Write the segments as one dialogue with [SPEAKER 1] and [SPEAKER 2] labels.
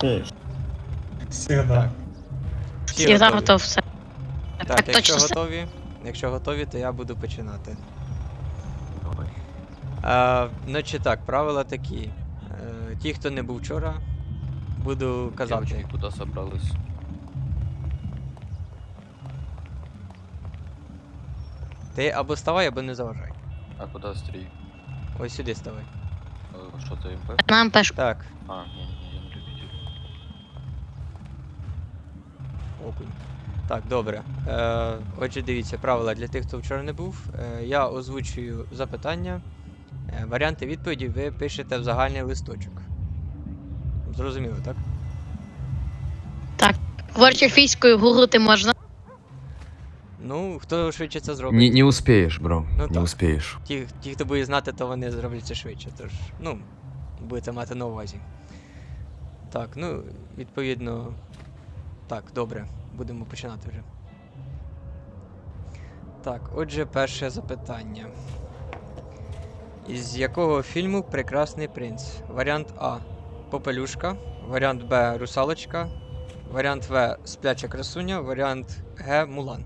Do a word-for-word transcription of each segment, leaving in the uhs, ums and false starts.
[SPEAKER 1] Всегда.
[SPEAKER 2] Всі
[SPEAKER 3] Всегда
[SPEAKER 2] готові?
[SPEAKER 3] готов все.
[SPEAKER 2] Так,
[SPEAKER 3] Так,
[SPEAKER 2] якщо
[SPEAKER 3] точно.
[SPEAKER 2] готові, якщо готові, то я буду починати. А, значить так, правила такі. Е, ті, хто не був вчора, буду казати.
[SPEAKER 4] Девочки куда собрались?
[SPEAKER 2] Ти або ставай, або не заважай.
[SPEAKER 4] А куда стрій?
[SPEAKER 2] Ось сюди ставай.
[SPEAKER 4] Э, Что ты МП?
[SPEAKER 3] Нам пеш.
[SPEAKER 2] Так,
[SPEAKER 4] А, не-не-не, я не любитель.
[SPEAKER 2] окунь. Так, добре. Е, отже, дивіться, правила для тих, хто вчора не був. Е, я озвучую запитання. Е, варіанти відповіді ви пишете в загальний листочок. Зрозуміло, так?
[SPEAKER 3] Говорячи фійською, гуглити можна.
[SPEAKER 2] Ну, хто швидше це зробить?
[SPEAKER 5] Не, не успеешь, бро.
[SPEAKER 2] Ну
[SPEAKER 5] не
[SPEAKER 2] так.
[SPEAKER 5] успеешь.
[SPEAKER 2] Ті, ті, хто буде знати, то вони зроблять це швидше. Тож, ну, будете мати на увазі. Так, ну, відповідно. Так, добре. Будемо починати вже. Так, отже, перше запитання. Із якого фільму Прекрасний принц? Варіант А. Попелюшка. Варіант Б. Русалочка. Варіант В. Спляча красуня. Варіант Г. Мулан.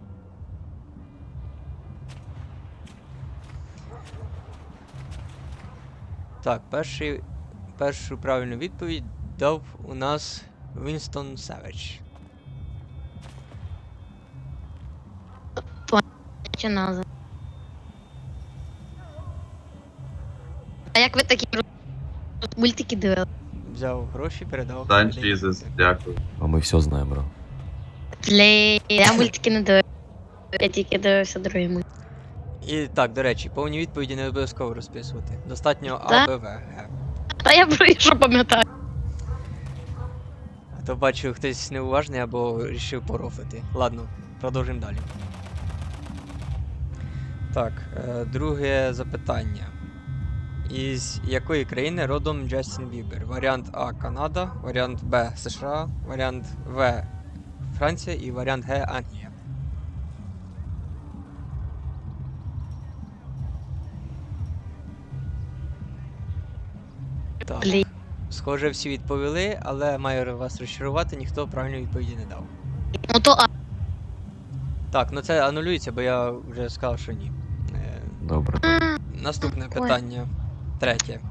[SPEAKER 2] Так, перший, першу правильну відповідь дав у нас Вінстон Севедж.
[SPEAKER 3] Чи назва. А як ви такі мультики дивили?
[SPEAKER 2] Взяв гроші, передав.
[SPEAKER 1] Дан
[SPEAKER 2] людині.
[SPEAKER 1] Джізус, дякую.
[SPEAKER 5] А мы все знаем, бро.
[SPEAKER 3] Блін, я мультики не дивився. Я тільки дивився другі мультики.
[SPEAKER 2] І так, до речі, повні відповіді не обов'язково розписувати. Достатньо А,
[SPEAKER 3] Да?
[SPEAKER 2] Б, В, Г.
[SPEAKER 3] Та я про що пам'ятаю.
[SPEAKER 2] А то бачу, хтось неуважний або вирішив порофлити. Ладно, продовжимо далі. Так, е, друге запитання. Із якої країни родом Джастін Бібер? Варіант А Канада, варіант Б США, варіант В Франція і варіант Г Англія. Так.
[SPEAKER 3] Блін.
[SPEAKER 2] Схоже, всі відповіли, але маю вас розчарувати, ніхто правильної відповіді не дав.
[SPEAKER 3] Ну то а.
[SPEAKER 2] Так, ну це анулюється, бо я вже сказав, що ні. Е,
[SPEAKER 5] Добре.
[SPEAKER 2] Наступне
[SPEAKER 3] Ой.
[SPEAKER 2] питання. Третє.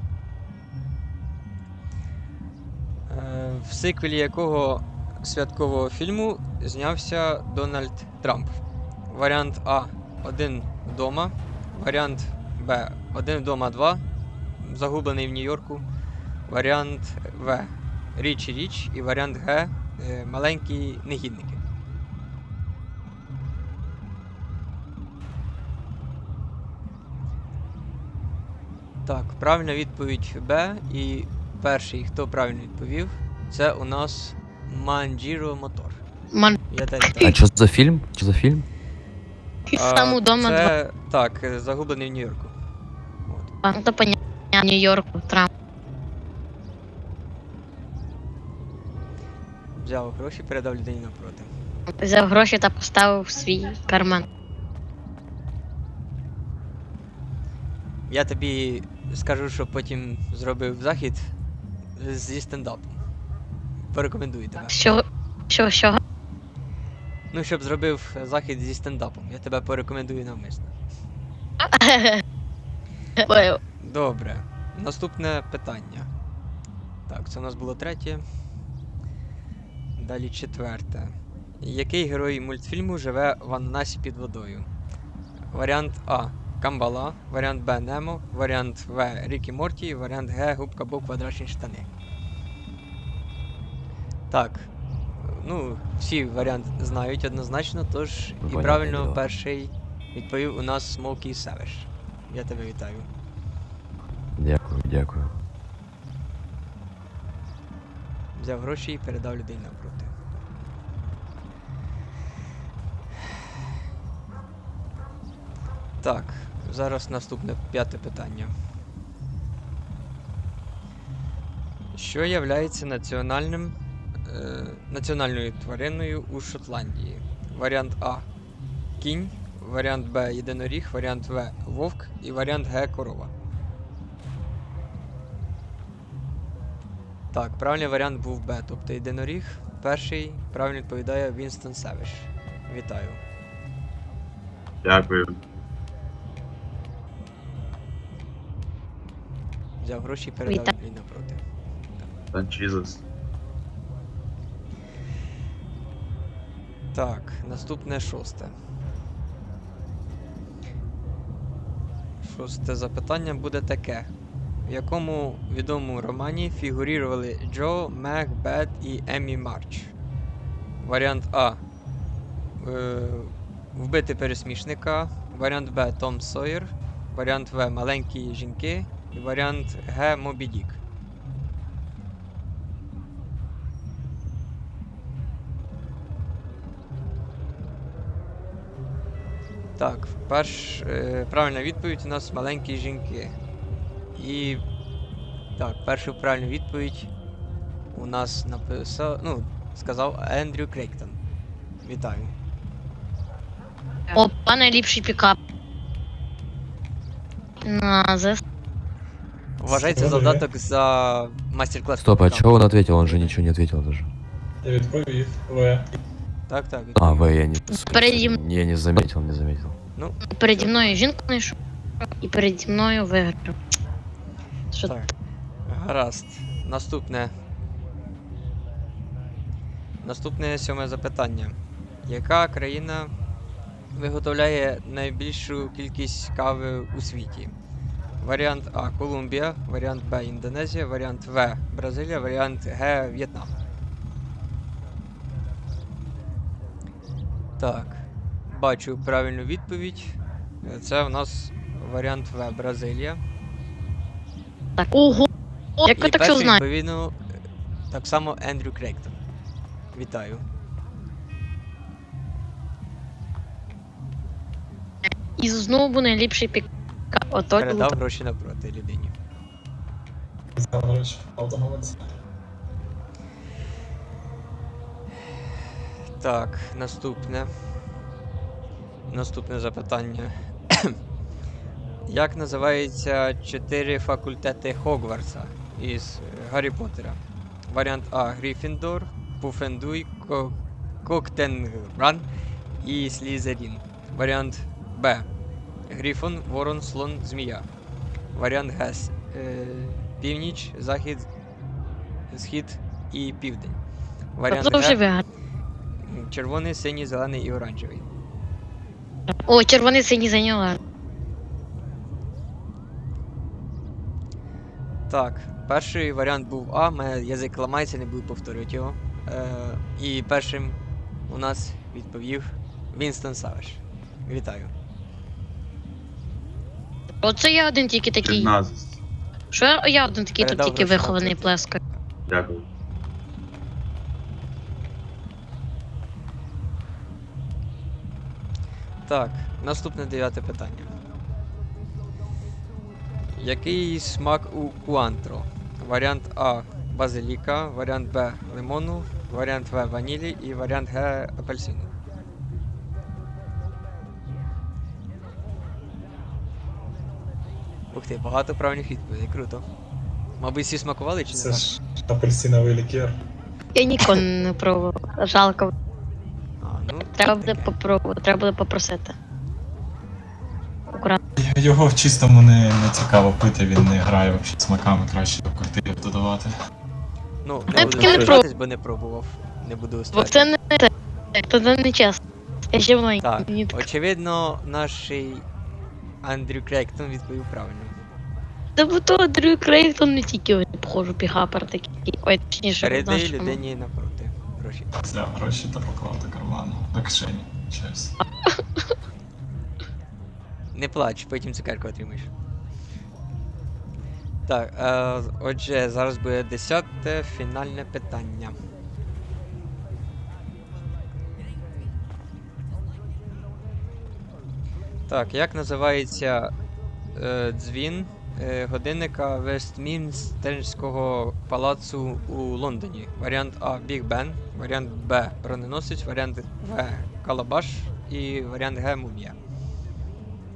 [SPEAKER 2] Е, в сиквелі якого святкового фільму знявся Дональд Трамп? Варіант А. Один вдома. Варіант Б. Один вдома два. Загублений в Нью-Йорку. Варіант В. Річ і річ. І варіант Г. е, Маленькі негідники. Так, правильна відповідь Б. І перший, хто правильно відповів, це у нас Манджіро Мотор.
[SPEAKER 3] Ман.
[SPEAKER 2] Я тебе
[SPEAKER 5] А
[SPEAKER 2] вітаю.
[SPEAKER 5] что за фильм? Что за фильм?
[SPEAKER 3] Сам удома два.
[SPEAKER 2] Це, так, е, загублений в Нью-Йорку. От.
[SPEAKER 3] Ну то понятно. Нью-Йорку, Трамп.
[SPEAKER 2] Взяв гроші, передав людині навпроти.
[SPEAKER 3] Взяв гроші та поставив в свій карман.
[SPEAKER 2] Я тобі скажу, що потім зробив захід зі стендапом. Порекомендую тебе.
[SPEAKER 3] Що? Що, що?
[SPEAKER 2] Ну, щоб зробив захід зі стендапом. Я тебе порекомендую навмисно.
[SPEAKER 3] Ой,
[SPEAKER 2] Добре. Наступне питання. Так, це у нас було третє. Далі четверте. Який герой мультфільму живе в ананасі під водою? Варіант А. Камбала, варіант Б. Немо, варіант В. Рік і Морті, варіант Г. Губка Боб квадратні штани. Так. Ну, всі варіанти знають однозначно, тож
[SPEAKER 5] Ну,
[SPEAKER 2] і
[SPEAKER 5] понятне
[SPEAKER 2] правильно
[SPEAKER 5] діло.
[SPEAKER 2] перший відповів у нас Смокі Севеш. Я тебе вітаю.
[SPEAKER 5] Дякую, дякую.
[SPEAKER 2] Взяв гроші і передав людей навпроти. Так, зараз наступне п'яте питання. Що являється національним, е, національною твариною у Шотландії? Варіант А. Кінь, варіант Б. Єдиноріг, варіант В. Вовк і варіант Г. Корова. Так, правильний варіант був Б, тобто єдиноріг. Перший правильно відповідає Вінстон Севиш. Вітаю.
[SPEAKER 1] Дякую.
[SPEAKER 2] Взяв гроші і передав
[SPEAKER 3] Вітаю.
[SPEAKER 2] Лі напроти.
[SPEAKER 1] Санчізес.
[SPEAKER 2] Так, наступне шосте. Шосте запитання буде таке. В якому відомому романі фігурували Джо, Мег, Бет і Еммі Марч? Варіант А. Е, Вбити пересмішника. Варіант Б. Том Сойер. Варіант В. Маленькі жінки. І варіант Г. Мобі Дік. Так, перш, е, правильна відповідь у нас маленькі жінки. І так, першу правильну відповідь у нас написав, ну, сказав Ендрю Крейктон. Вітаю.
[SPEAKER 3] Опа, найліпший пікап. На ЗС.
[SPEAKER 2] Вважається завдаток за майстер-клас.
[SPEAKER 5] Стоп, а
[SPEAKER 2] пікапу.
[SPEAKER 5] чего он ответил? Он же ничего не ответил даже.
[SPEAKER 6] Я відповів. В.
[SPEAKER 2] Так, так.
[SPEAKER 5] А,
[SPEAKER 2] відповів.
[SPEAKER 5] В, я не...
[SPEAKER 3] Перед ним.
[SPEAKER 5] Я не заметил, не заметил.
[SPEAKER 2] Ну,
[SPEAKER 3] Переді мною жінку знайшов. І переді мною виграв. Що
[SPEAKER 2] так. Гаразд. Наступне. Наступне сьоме запитання. Яка країна виготовляє найбільшу кількість кави у світі? Варіант А. Колумбія, варіант Б. Індонезія, варіант В. Бразилія, варіант Г. В'єтнам. Так. Бачу правильну відповідь. Це в нас варіант В. Бразилія.
[SPEAKER 3] так? Ого! Як ви
[SPEAKER 2] І
[SPEAKER 3] так все
[SPEAKER 2] перший,
[SPEAKER 3] знаєте?
[SPEAKER 2] відповідно, так само Ендрю Крейктон. Вітаю.
[SPEAKER 3] І знову найліпший пікап. Ото
[SPEAKER 2] Передав
[SPEAKER 3] круто.
[SPEAKER 2] гроші напроти людині.
[SPEAKER 6] Знав, до речі, автомовець.
[SPEAKER 2] Так, наступне. Наступне запитання. Як називаються чотири факультети Хогвартса із е, Гаррі Поттера? Варіант А. Гриффіндор, Пуфендуй, Ко... Коктенгран і Слізерін. Варіант Б. Грифон, Ворон, Слон, Змія. Варіант Г. С- Е... Північ, Захід, Схід і Південь. Варіант
[SPEAKER 3] Тобто вже
[SPEAKER 2] Г.
[SPEAKER 3] виграв.
[SPEAKER 2] Червоний, синій, зелений і оранжевий.
[SPEAKER 3] О, червоний синій зайняла.
[SPEAKER 2] Так, перший варіант був А, мене язик ламається, не буду повторювати його. Е, і першим у нас відповів Вінстон Савиш. Вітаю.
[SPEAKER 3] Оце я один тільки такий.
[SPEAKER 1] Чорназис.
[SPEAKER 3] Що я- я один такий тут
[SPEAKER 2] Передав
[SPEAKER 3] тільки
[SPEAKER 2] гроші
[SPEAKER 3] вихований
[SPEAKER 2] напроти.
[SPEAKER 3] плескає.
[SPEAKER 1] Дякую.
[SPEAKER 2] Так, наступне дев'яте питання. Який смак у куантро? Варіант А базиліка, варіант Б лимону, варіант В ванілі і варіант Г апельсину. Ух ти, багато правильних відповідей, круто. Мабуть, всі смакували чи не
[SPEAKER 6] Це
[SPEAKER 2] так?
[SPEAKER 6] ж апельсиновий лікер.
[SPEAKER 3] Я ніколи не пробував. Жалко.
[SPEAKER 2] А, ну,
[SPEAKER 3] Треба буде попробувати, треба буде попросити. Акуратно.
[SPEAKER 6] Його в чистому не, не цікаво пити, він не грає взагалі смаками, краще до коктейлів додавати.
[SPEAKER 2] ну
[SPEAKER 3] Я
[SPEAKER 2] не буду
[SPEAKER 3] таки не
[SPEAKER 2] звертатись, бо не пробував. Не буду
[SPEAKER 3] Бо
[SPEAKER 2] стверджувати.
[SPEAKER 3] це не те. Це це не чесно. Я ще маленький.
[SPEAKER 2] Так,
[SPEAKER 3] Мені так.
[SPEAKER 2] очевидно, наш Андрю Крейктон відповів правильно.
[SPEAKER 3] Та бо то Дрю Крейктон не тільки ось, похожу пігапер такий. Ой, точніше,
[SPEAKER 2] Передай
[SPEAKER 3] нашому.
[SPEAKER 2] людині напроти гроші.
[SPEAKER 6] Взяв гроші та поклав до карману. До кишені. Чесно.
[SPEAKER 2] Не плач, потім цукерку отримаєш. Так, е, отже, зараз буде десяте фінальне питання. Так, як називається е, дзвін е, годинника Вестмінстерського палацу у Лондоні? Варіант А. Біг Бен, варіант Б. Броненосець, варіант В. Калабаш і варіант Г. Мумія.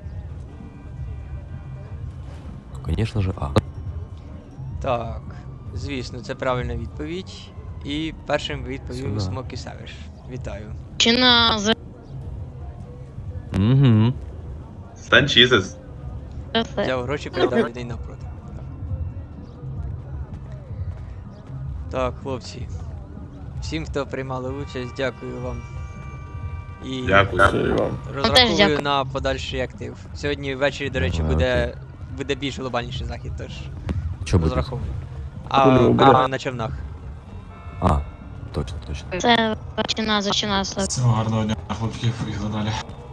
[SPEAKER 5] Конечно же, А.
[SPEAKER 2] Так, Звісно, це правильна відповідь. І першим відповів
[SPEAKER 5] Сюда.
[SPEAKER 2] Смокі Савіш. Вітаю.
[SPEAKER 3] Чи на за
[SPEAKER 5] Угу.
[SPEAKER 1] Санчізес.
[SPEAKER 3] це?
[SPEAKER 2] Взяв гроші, передав людей навпроти. Так, хлопці. Всім, хто приймали участь, дякую вам. І
[SPEAKER 1] Дякую.
[SPEAKER 2] розраховую
[SPEAKER 3] дякую.
[SPEAKER 2] на подальший актив. Сьогодні ввечері, до речі,
[SPEAKER 5] Ага,
[SPEAKER 2] буде, буде більш глобальніший захід, тож
[SPEAKER 5] Что будет?
[SPEAKER 2] розраховую. А будемо на човнах.
[SPEAKER 5] А, точно, точно.
[SPEAKER 3] Це зачина, зачина.
[SPEAKER 6] Всього гарного дня, хлопців, поїхали далі.